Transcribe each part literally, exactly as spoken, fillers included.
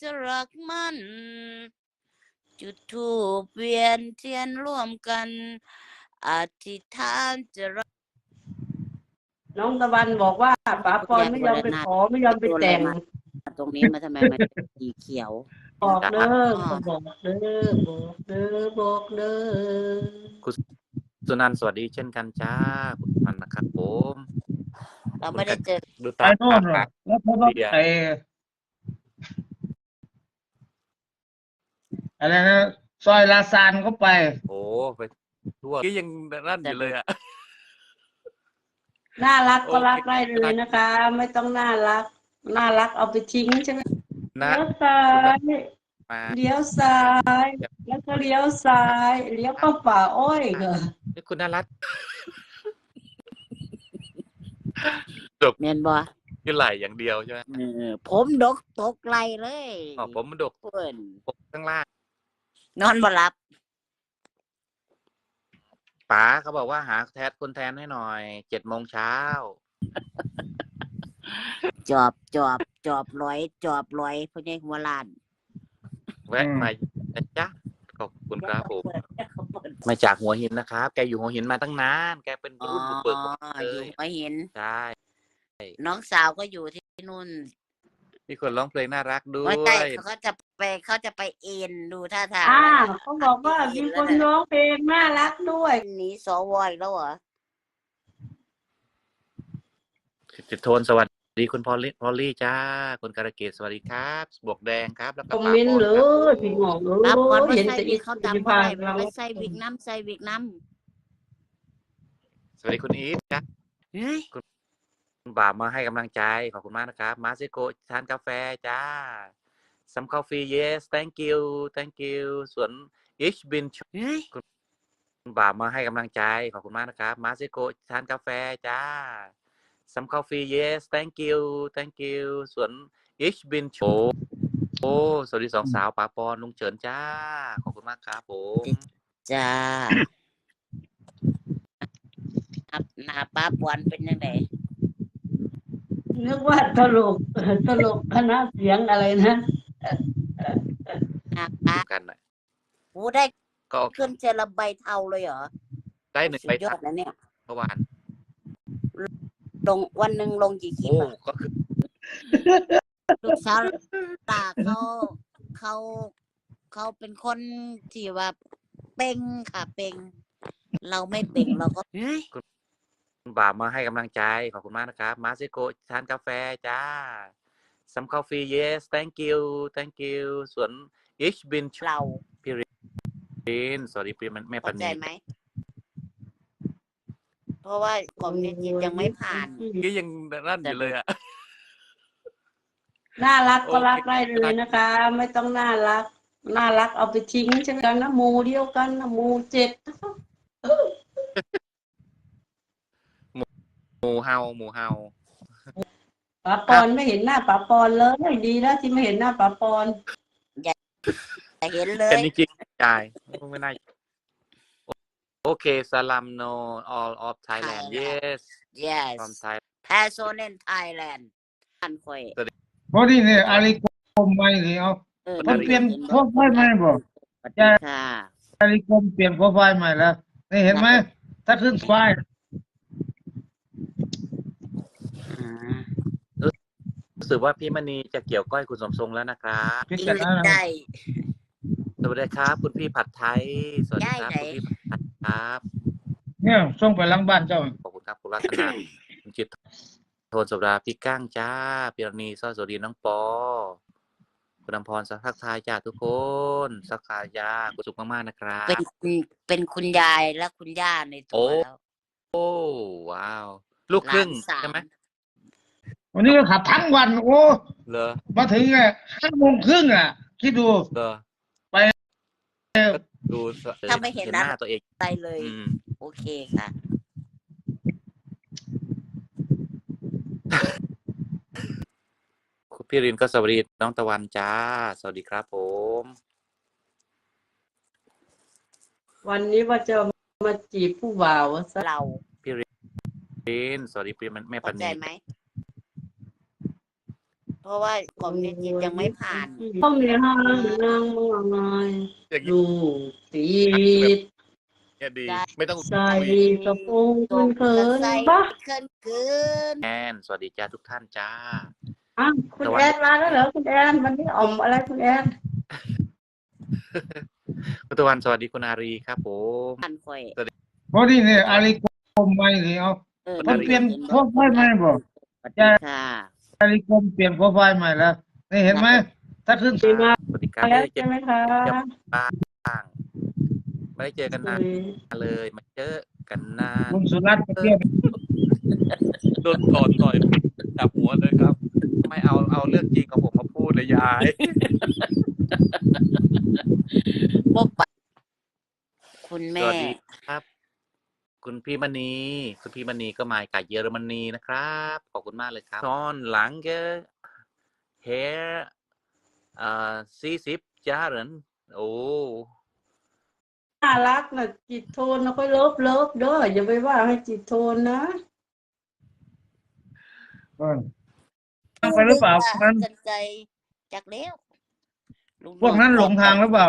จะรักมันจุดธูปเวียนเทียนร่วมกันอธิษฐานจะรักน้องตะวันบอกว่าป๋าปอนไม่ยอมไปขอไม่ยอมไปแต่งตรงนี้มาทำไมมันเป็นสีเขียวบอกเด้อบอกเด้อบอกเด้อบอกเด้อคุณสุนันท์สวัสดีเช่นกันจ้าคุณมันนะครับผมเราไม่ได้เจอดูไปตามโน่นเหรอแล้วพอต้องไปอะไรนะซอยลาซานก็ไปโอ้ไปทั่วที่ยังรั่นอยู่เลยอ่ะน่ารักก็รักได้เลยนะคะ ไม่ต้องน่ารักน่ารักเอาไปทิ้งใช่ไหมเลี้ยวซ้ายเลี้ยวซ้ายแล้วก็เลี้ยวซ้ายเลี้ยวเข้าป่าอ้อยเหรอนี่คุณน่ารักจบเมียนบ่คือไหลอย่างเดียวใช่ไหมผมดกตกไหลเลยอ๋อผมมันดกเพื่อนผมข้างล่างนอนบ่หลับป๋าเขาบอกว่าหาแทนคนแทนให้หน่อยเจ็ดโมงเช้าจอบจอบจอบร้อยจอบร้อยพ่อใหญ่หัวล้านแวะมาจ้ะขอบคุณครับผมมาจากหัวหินนะครับแกอยู่หัวหินมาตั้งนานแกเป็นรุ่นบุกเบิกอยู่หัวหินใช่น้องสาวก็อยู่ที่นู่นมีคนร้องเพลงน่ารักด้วยไม่ใช่เขาจะไปเขาจะไปเอ็นดูท่าทางอ่าเขาบอกว่ามีคนร้องเพลงน่ารักด้วยนี้สวอยแล้วเหรอติดโทนสวัสดีคุณพอลลี่พอลลี่จ้าคุณการเกตสวัสดีครับบวกแดงครับแล้วก็คอมเมนต์เลยพี่หงอกเลยรับก่อนว่าใส่วิกเขาดำอะไรไม่ใส่วิกน้ำใส่วิกน้ำสวัสดีคุณอีทจ้าคุณบ่าวมาให้กำลังใจขอบคุณมากนะครับมาซิโกทานกาแฟจ้าซัมคอฟฟี่ yes thank you thank you ส่วน ich bin คุณบ่าวมาให้กำลังใจขอบคุณมากนะครับมาซิโกทานกาแฟจ้าซัมคอฟฟี่ yes thank you thank you ส่วน ich bin โอ้โอ้สวัสดีสองสาวป๋าปอนลุงเฉินจ้าขอบคุณมากครับผมจ้าหน้าป้าปอนเป็นยังไงนึกว่าตลกตลกคณะเสียงอะไรนะกันหน่อยโอ้ได้ก็ขึ้นเจลใบเทาเลยเหรอได้หนึ่งใบยอดแล้วเนี่ยเมื่อวานลงวันหนึ่งลงกี่คลิปอ่ะก็คือลูกสาวตาเขาเขาเขาเป็นคนที่ว่าเป่งค่ะเป่งเราไม่เป่งเราก็คุณบ่าวมาให้กำลังใจขอบคุณมากนะครับมาซิโกทานกาแฟจ้าซัมคอฟฟี่ yes thank you thank you ส่วน ich bin เราพี่รินสวัสดีพี่แม่ปณีเข้าใจไหมเพราะว่าผมยังไม่ผ่านก็ยังรั่นอยู่เลยอ่ะน่ารักก็รักได้เลยนะคะ ไม่ต้องน่ารักน่ารักเอาไปทิ้งใช่ไหมกันนะหมูเดียวกันนะหมูเจ็ดหมูเฮาหมูเฮาป๋าปอนไม่เห็นหน้าป๋าปอนเลยดีแล้วที่ไม่เห็นหน้าป๋าปอนอย่าเห็นเลยแต่นี่จริงใจไม่น่าโอเคสลัมโน all of Thailand yes yes from Thailand person in Thailand อันค่อยพอดีเนี่ยอาริกรมไม่เลยเอาเขาเปลี่ยนโปรไฟล์ใหม่บอกจ้าอาริกรมเปลี่ยนโปรไฟล์ใหม่แล้วนี่เห็นไหมถ้าขึ้นไฟล์รู้สึกว่าพี่มณีจะเกี่ยวก้อยคุณสมทรงแล้วนะครับพี่จะได้สวัสดีครับคุณพี่ผัดไทยสวัสดีครับคุณพี่ผัดครับเนี่ยส่งไปหลังบ้านเจ้าขอบคุณครับคุณรัตนาคุณจิตโทนสุดาพี่ก้างจ้าพี่รณีสวัสดีน้องปอคุณอำพรสักทักทายจ้าทุกคนสักทายาคุณสุขมากๆนะครับเป็นเป็นคุณยายและคุณย่าในตัวแล้วโอ้ว้าวลูกครึ่งใช่ไหมวันนี้ก็ขับทั้งวันโอ้เหรอมาถึงไงห้าโมงครึ่งอ่ะคิดดูเหรอไปดูถ้าไม่เห็นหน้าตัวเองไปเลยโอเคค่ะคุณพี่รินก็สวัสดีน้องตะวันจ้าสวัสดีครับผมวันนี้ว่าจะมาจีบผู้บ่าวซะเราพี่รินสวัสดีพี่แม่ปณีเข้าใจไหมเพราะว่าของเจจิตยังไม่ผ่านพ่อมีห้างนางมองไงอย่างนี้ดูติดเนี่ยดี ไม่ต้องใส่คุยกระโปรงตเขิกนใส่ๆปะเขินเกินแอนสวัสดีจ้าทุกท่านจ้าอ่ะคุณแอนมาแล้วเหรอคุณแอนวันนี้อ่อมอะไรคุณแอนคุณตะวันสวัสดีคุณอารีครับผมผ่านค่อยพอดีเนี่ยอาลีกรมไม่เลยเอาเออมันเปลี่ยนโปรไฟล์ใหม่บ่สวัสดีค่ะอาลีกรมเปลี่ยนโปรไฟล์ใหม่แล้วนี่เห็นไหมถ้าขึ้นดีมากสวัสดีครับแล้วไม่ได้เจใช่อไหมคะบ้างไม่ได้เจอกันนานเลยมาเจอกันนานคุณสุรัตน์เปลี่ยนโดนต่อต่อยจับหัวเลยครับ ไม่เอาเอาเรื่องจริงของผมมาพูดเลยยายพบปะคุณสแม่วัสดีครับ คุณพี่มณีคุณพี่มณีก็มาจากเยอรมนีนะครับขอบคุณมากเลยครับตอนหลังเกเฮอ่าสี่สิบจาเหรนโอ้น่ารักนะจิตโทนนะค่อยเลิฟเลิฟเด้ออย่าไปว่าให้จิตโทนนะเออตั้งไปหรือเปล่าพวกนั้นสนใจจากแล้วลูพวกนั้นหลงทางหรือเปล่า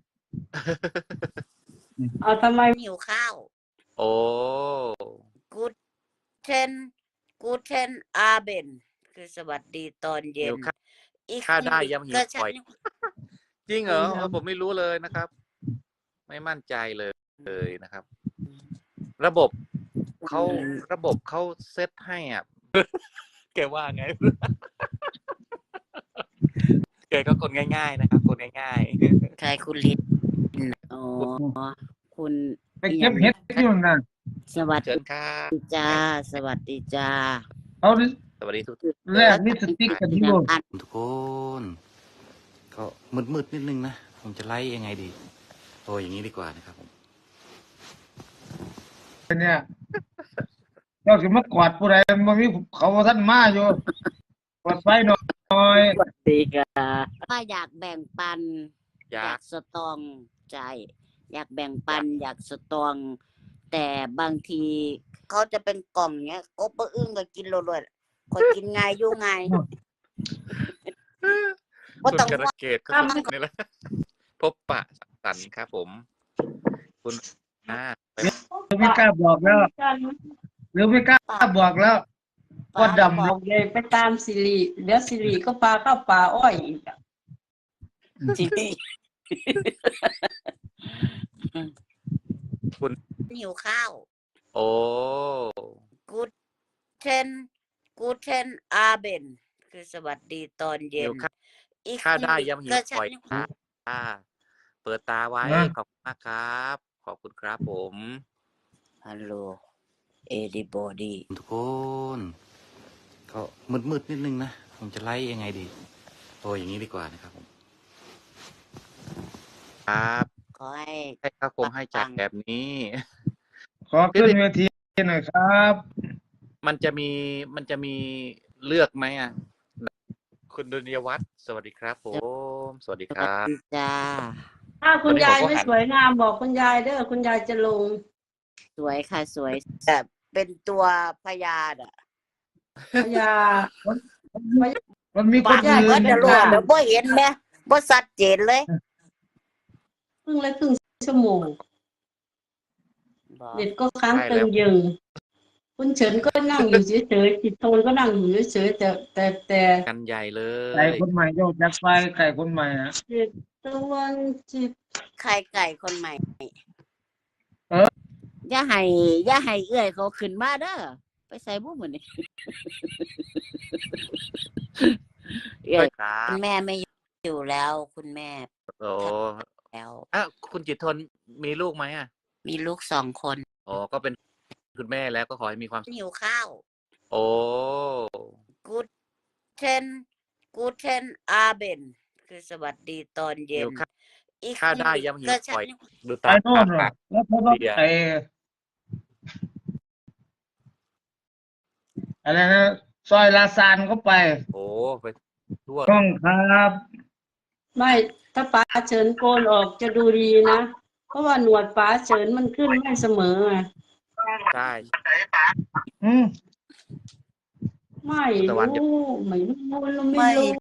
เอาทำไมหิวข้าวโอ้กูเทนกูเทนอาเบนคือสวัสดีตอนเย็หินวข้าวอีกข้าวได้ยังหิวก็ปล่อยฉันจริงเหรอเออผมไม่รู้เลยนะครับ ไม่มั่นใจเลยเลยนะครับ ระบบเขาระบบเขาเซตให้อ่ะ แกว่าไง แกก็คนง่าย ๆ นะครับ คนง่ายใครคุณลิศอ๋อคุณไปเก็บเห็ดอยู่นั่นสวัสๆเชิดีญครับจ้า สวัสดีจ้าเขาสวัสดีทุกแลกนิสติกกันอยู่ทุกคนก็มืดๆนิดนึงนะผมจะไล่ยังไงดีโอ้อย่างนี้ดีกว่านะครับผมเนี่ยเจ้าสิมากวาดผู้ใดบ่มีเขาท่านมาอยู่กวาดไฟหน่อยสวัสดีค่ะว่าอยากแบ่งปันอยากสตรองใจอยากแบ่งปัน อยากสตรอง แต่บางทีเขาจะเป็นกล่องเนี้ยกบอึ้งก็กินโลดๆคนกินไงอยู่ไงก็คุณต้องกระว่าเกตก็สุดนี่แหละพบปะสันครับผม คุณอ่าไปหรือไม่กล้าบอกแล้ว หรือไม่กล้าบอกแล้วก็ดำบอกเลยไปตามสิริเดี๋ยวสิริก็พาเข้าป่าอ้อยอีกอะจริงคุณหิวข้าวโอ้กูเทนกูเทนอาเบนคือสวัสดีตอนเย็หินวข้าวอีกข้าวได้ยังหิวก็ปฉัล่อยนอ่าเปิดตาไว้นะขอบคุณมากครับ ขอบคุณครับผมฮัลโหลเอดิบอดีทุกคนก็มืดๆนิดนึงนะผมจะไล่ยังไงดีโอ้อย่างนี้ดีกว่านะครับผมครับขอให้ให้ข้าวคงให้จัดแบบนี้ขอขึ้นเวทีหน่อยครับมันจะมีมันจะมีเลือกไหมอ่ะ คุณดุลยวัฒน์สวัสดีครับผม สวัสดีสควัสรับดีจ้าถ้าคุณวันนี้ยายผมก็ไม่หันสวยงามบอกคุณยายเด้อคุณยายจะลงสวยค่ะสวยแต่เป็นตัวพยาดอ่ะพยามันมีคปาน กอื่เบิดนเดี๋ยวรู้เดี๋ยวบ่เห็นแม่บ่ชัดเจนเลยครึ่งละครึ่งชั่วโมงบอกเด็ดก็ค้างใช่ตึแล้งวยึงคุณเฉินก็นั่งอยู่เฉยๆจิตโทนก็นั่งอยู่เฉยๆแต่แต่แต่กันใหญ่เลไก่ยคนใหม่โยกจากไปไก่คนใหม่นะจิตตะวันจิตไข่ไก่คนใหม่เอออย่าให้อย่าให้เอื้อยเขาขึ้นมาเด้อไปใส่บุ้มอนี่ เอื้อยครัคุบณแม่ไม่อยู่แล้ว คุณแม่โอ้แล้วอ่ะคุณจิตรทนมีลูกไหมอ่ะมีลูกสองคนอ๋อก็เป็นคุณแม่แล้วก็ขอให้มีความหิวข้าวโอ้กูเทนกูเทนอาเบนคือสวัสดีตอนเย็หินวข้าวอีกข้าวได้ยังหิวก็ปฉัล่อยนดูไปตาโน่นปากแล้วเขาก็เบียร์ไปอะไรนะซอยลาซานเขาไปโอ้ไปทั่วต้องครับไม่ถ้าป๋าเฉินโกนออกจะดูดีนะ เพราะว่าหนวดป๋าเฉินมันขึ้นไม่เสมอไงใช่อืมไม่คุณตะวันจะรู้ไม่รู้ไม่ไม่รู้